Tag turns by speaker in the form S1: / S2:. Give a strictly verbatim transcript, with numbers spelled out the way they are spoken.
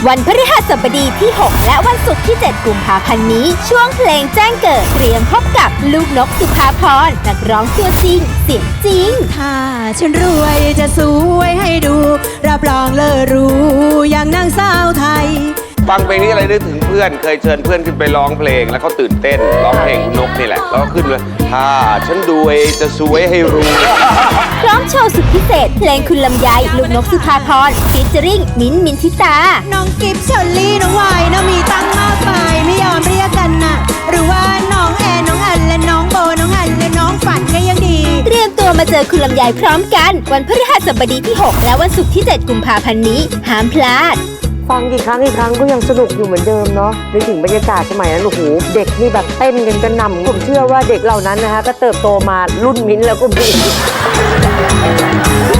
S1: วันพฤหัสบดีที่ หก และวันศุกร์ที่ เจ็ด กุมภาพันธ์นี้ช่วงเพลงแจ้งเกิดเตรียมพบกับลูกนกสุภาพรนักร้องตัวจริงเสียงจริง
S2: ถ้าฉันรวยจะสวยให้ดูรับรองเลอรู้อย่างนางสาวไทย
S3: ฟังเพลงนี้อะไรนึกถึงเพื่อนเคยเชิญเพื่อนขึ้นไปร้องเพลงแล้วเขาตื่นเต้นร้องเพลงคุณนกนี่แหละแล้วก็ขึ้นเลยถ้าฉันรวยจะสวยให้รู้
S1: พร้อมโชว์สุดพิเศษเพลงคุณลำไยลูกนกสุภาพรฟีเจอริ่งมิ้นท์มินทิตา
S2: น้องกิฟเชอร์ลี่น้องวายนะมีตั้งมากมายไม่ยอมเรียกกันนะหรือว่าน้องแอนน้องอันและน้องโบน้องอันและน้องฝันก็ยังดี
S1: เตรียมตัวมาเจอคุณลำไยพร้อมกันวันพฤหัสบดีที่ หก และวันศุกร์ที่ เจ็ด กุมภาพันธ์นี้ห้ามพลาด
S4: ฟังกี่ครั้งกี่ครั้งก็ยังสนุกอยู่เหมือนเดิมเนาะนึกถึงบรรยากาศสมัยนั้นโอ้โหเด็กนี่แบบเต้นกันกระหน่ำผมเชื่อว่าเด็กเหล่านั้นนะคะก็เติบโตมารุ่นมิ้นท์แล้วก็มี